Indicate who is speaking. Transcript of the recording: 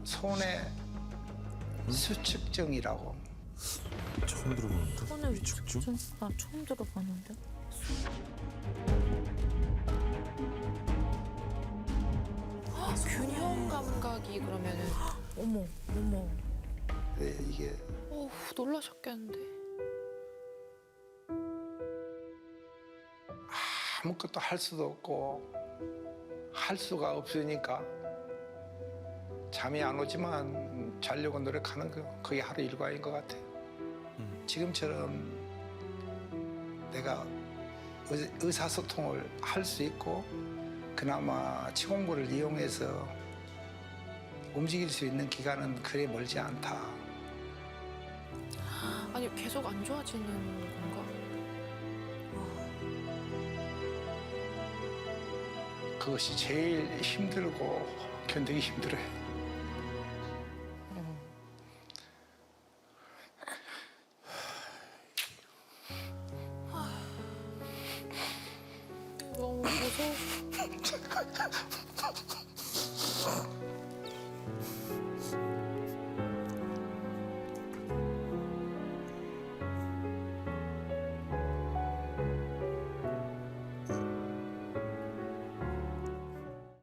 Speaker 1: 손의 수축증이라고.
Speaker 2: 처음 들어보는데.
Speaker 3: 손을
Speaker 2: 위축증?
Speaker 3: 나 처음 들어봤는데.
Speaker 4: 균형 감각이 그러면은
Speaker 3: 어머, 어머.
Speaker 1: 네, 이게
Speaker 4: 어우, 놀라셨겠는데.
Speaker 1: 아무것도 할 수도 없고 할 수가 없으니까 잠이 안 오지만 자려고 노력하는 거 그게 하루 일과인 것 같아요. 지금처럼 내가 의사소통을 할 수 있고 그나마 치공부를 이용해서 움직일 수 있는 기간은 그리 멀지 않다.
Speaker 4: 아니, 계속 안 좋아지는 건가?
Speaker 1: 그것이 제일 힘들고 견디기 힘들어요.
Speaker 4: 너무 무서워.